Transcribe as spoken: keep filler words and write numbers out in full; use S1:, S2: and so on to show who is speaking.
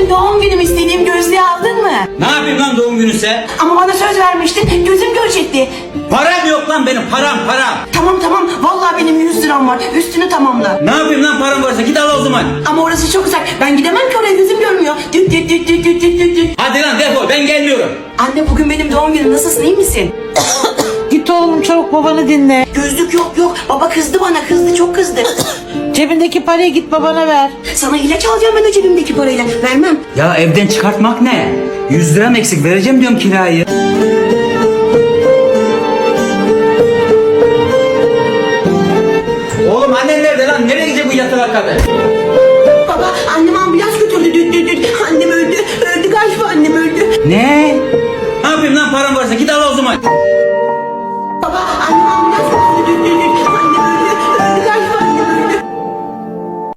S1: Bugün doğum günüm, istediğim gözlüğü aldın mı?
S2: Ne yapayım lan doğum gününse?
S1: Ama bana söz vermiştin, gözüm görecekti.
S2: Param yok lan benim, param param.
S1: Tamam tamam, vallahi benim yüz liram var, üstünü tamamla.
S2: Ne yapayım lan param varsa, git al o zaman.
S1: Ama orası çok uzak, ben gidemem ki oraya, gözüm görmüyor. Düt düt düt düt düt düt düt düt.
S2: Hadi lan defol, ben gelmiyorum.
S1: Anne bugün benim doğum günüm, nasılsın, iyi misin?
S3: Git oğlum çabuk babanı dinle.
S1: Gözlük yok yok, baba kızdı bana, kızdı, çok kızdı.
S3: Cebindeki parayı git babana ver.
S1: Sana ilaç alacağım ben o cebimdeki parayla, vermem.
S2: Ya evden çıkartmak ne? Yüz liram eksik, vereceğim diyorum kirayı. Oğlum annen nerede lan? Nereye gidecek bu yatalak kadın?
S1: Baba annem ambulans götürdü, düt düt düt. Annem öldü, öldü galiba, annem öldü.
S2: Ne? Ne yapayım lan param varsa, git al o zaman.
S1: Baba annem ambulans götürdü, düt düt düt.